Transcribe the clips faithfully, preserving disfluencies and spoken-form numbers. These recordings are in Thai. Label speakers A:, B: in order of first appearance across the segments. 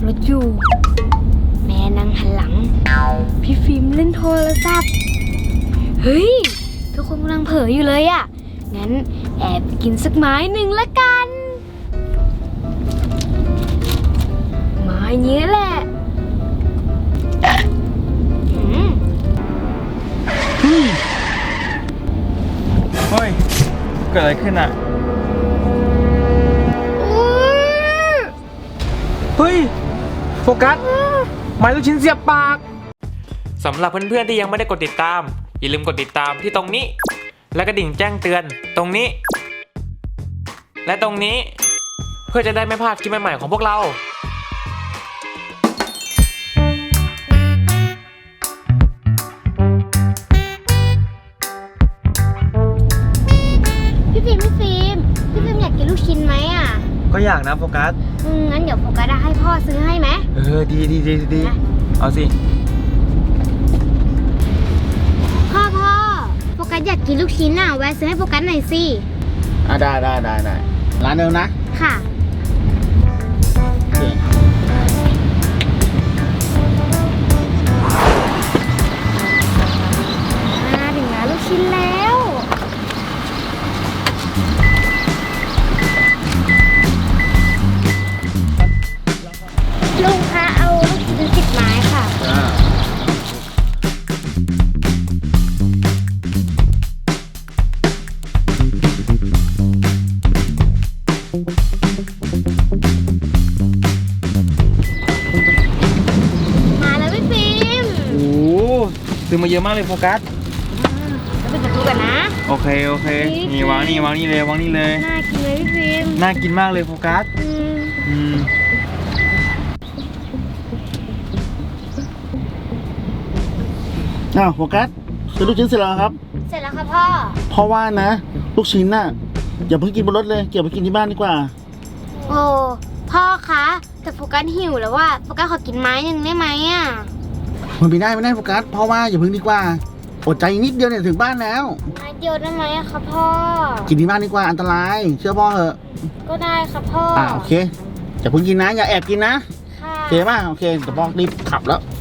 A: ถอยู่แม่นั่งหันหลังพี่ฟิล์มเล่นโทรศัพท์เฮ้ยทุกคนกำลังเผลออยู่เลยอะงั้นแอบกินสักไม้หนึ่งละกันไม้นี้แหละอืม
B: เฮ้ยเกิดอะไรขึ้นอ่ะเฮ้ยโฟกัสไม้ลูกชิ้นเสียบปากสำหรับเพื่อนๆที่ยังไม่ได้กดติดตามอย่าลืมกดติดตามที่ตรงนี้และกระดิ่งแจ้งเตือนตรงนี้และตรงนี้เพื่อจะได้ไม่พลาดคลิปใหม่ๆของพวกเรา
A: พี่ฟิล์มพี่ฟิล์มพี่ฟิล์มอยากกินลูกชิ้นไหมอ่ะ
B: ก็อยากนะโฟกัส
A: อืมงั้นเดี๋ยวโฟกัสให้พ่อซื้อให้ไหม
B: เออดีดีดีดีเอาสิ
A: พ่อพ่อโฟกัสอยากกินลูกชิ้นอ่ะแวะซื้อให้โฟกัสหน่อยสิ
C: อ่ะได้ได้ได้ได้ร้านเดิมนะ
A: ค่ะมาถึงร้านลูกชิ้นแล้วลุงคะเอาลูกชิ้นสิบไม้ค่ะมาแล้วพี่ฟิล์ม
B: โอ้ซื้อมาเยอะมากเลยโฟกัส
A: แล้วเป็นกระทู้กันนะ
B: โอเคโอเคนี่วางนี่วางนี่เลยวางนี่เลย
A: น่ากินเลยพี่ฟิล์ม
B: น่ากินมากเลยโฟกัสอืม
C: อ้าวโฟกัสซื้อลูกชิ้นเสร็จแล้วครับ
A: เสร็จแล้วครับพ่อ
C: เพราะว่านะลูกชิ้นน่ะอย่าเพิ่งกินบนรถเลยเก็บไปกินที่บ้านดีกว่า
A: โอ้พ่อคะแต่โฟกัสหิวแล้วว่าโฟกัสขอกินไม้หนึ่งได้ไหมอ่ะ
C: มันไม่ได้ไม่ได้โฟกัสเพราะว่าอย่าเพิ่งดีกว่าอดใจนิดเดียวเนี่ยถึงบ้านแล้ว
A: ไม้เดียวได้ไหมอะครับพ่อ
C: กินที่บ้านดีกว่าอันตรายเชื่อพ่อเหอะ
A: ก็ได้ครับพ่อ
C: อ่าโอเคอย่าเพิ่งกินนะอย่าแอบกินนะ
A: ค่ะ
C: โอเคป่ะโอเคเดี๋ยวพ่อรีบขับแล้ว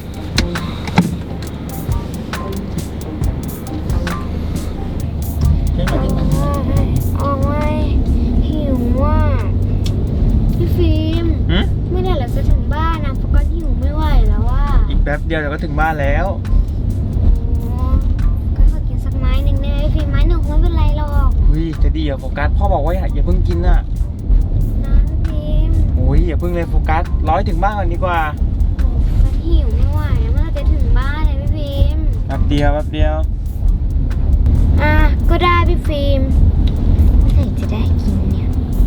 A: โอ้ยหิวว่ะพี่ฟิล์มไม่ได้แล้วจะถึงบ้านนะโฟกัสหิวไม่ไหวแล้วว่า
B: อีกแป๊บเดียวเดี๋ยวก็ถึงบ้านแล้ว
A: ก็ขอกินสักไม้หนึ่งได้ไหมฟิล์มไม้หนึ่งคงไม่เป็นไรหรอก
B: เฮ้ยจะดีเหรอโฟกัสพ่อบอกว่าอย่าอย่าเพิ่งกินน่ะ
A: นะฟิล์ม
B: โอ้ยอย่าเพิ่งเลยโฟกัสร้อยถึงบ้านก่อนดีกว่า
A: โอ้โฟกัสหิวไม่ไหวเมื่อจะถึงบ้านเลยพี่ฟิล์ม
B: แป๊บเดียวแป๊บเดียว
A: อ่ะก็ได้พี่ฟิล์มเมื่อไหร่จะได้กินเนี่ย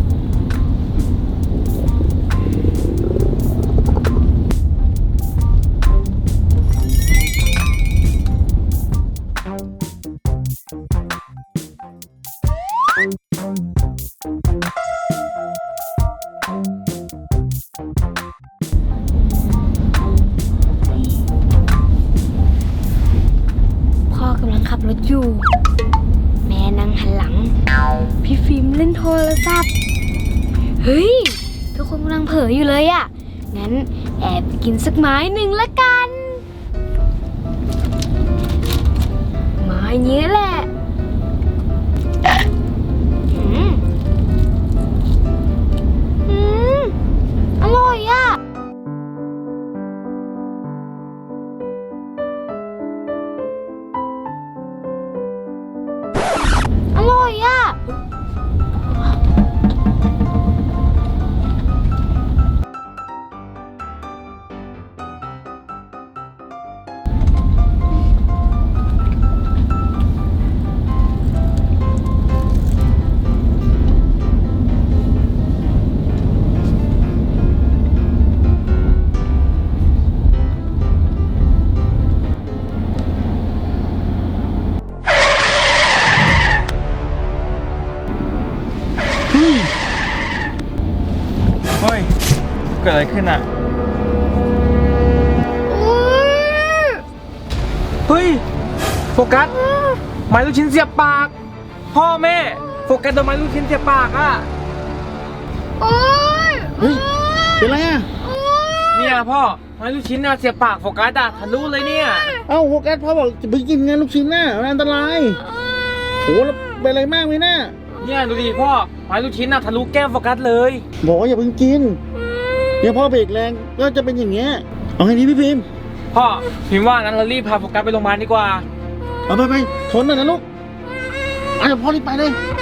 A: พ่อกำลังขับรถอยู่แม่นั่งหันหลังพี่ฟิล์มเล่นโทรศัพท์เฮ้ยทุกคนกำลังเผลออยู่เลยอะงั้นแอบกินสักไม้หนึ่งละกันไม้นี้แหละอืมอืมอร่อยอะอร่อยอ่ะ
B: เฮ้ยเกิดอะไรขึ้นอ่ะเฮ้ยโฟกัสไม้ลูกชิ้นเสียบปากพ่อแม่โฟกัสโดนไม้ลูกชิ้นเสียบปากอ่ะ
A: โอ๊ย
C: เฮ้ยเป็นไรอ่ะ
B: นเนี่ยพ่อไม้ลูกชิ้นน่ะเสียบปากโฟกัสอะทะลุเลยเนี่ย
C: เอ้าโฟกัสพ่อบอกจะไปกินไงลูกชิ้นน่ะมันอันตรายโหแล้วเป็นอะไรมากไหมน่ะ
B: เนี่ยดูดิพ่อไม้ลูกชิ้นน่ะทะลุแก้มโฟกัสเลย
C: บอกว่าอย่าเพิ่งกินเนี่ยพ่อเบรกแรงก็จะเป็นอย่างเงี้ยเอาไงดีพี่พิมพ์
B: พ่อพิมพ์ว่างั้นเรารีบพาโฟกัสไปโรงพยาบาลดีกว่า
C: เอาไปไปทนหน่อยนะลูกอ่ะเดี๋ยวพ่อรีบไปเลย
A: พ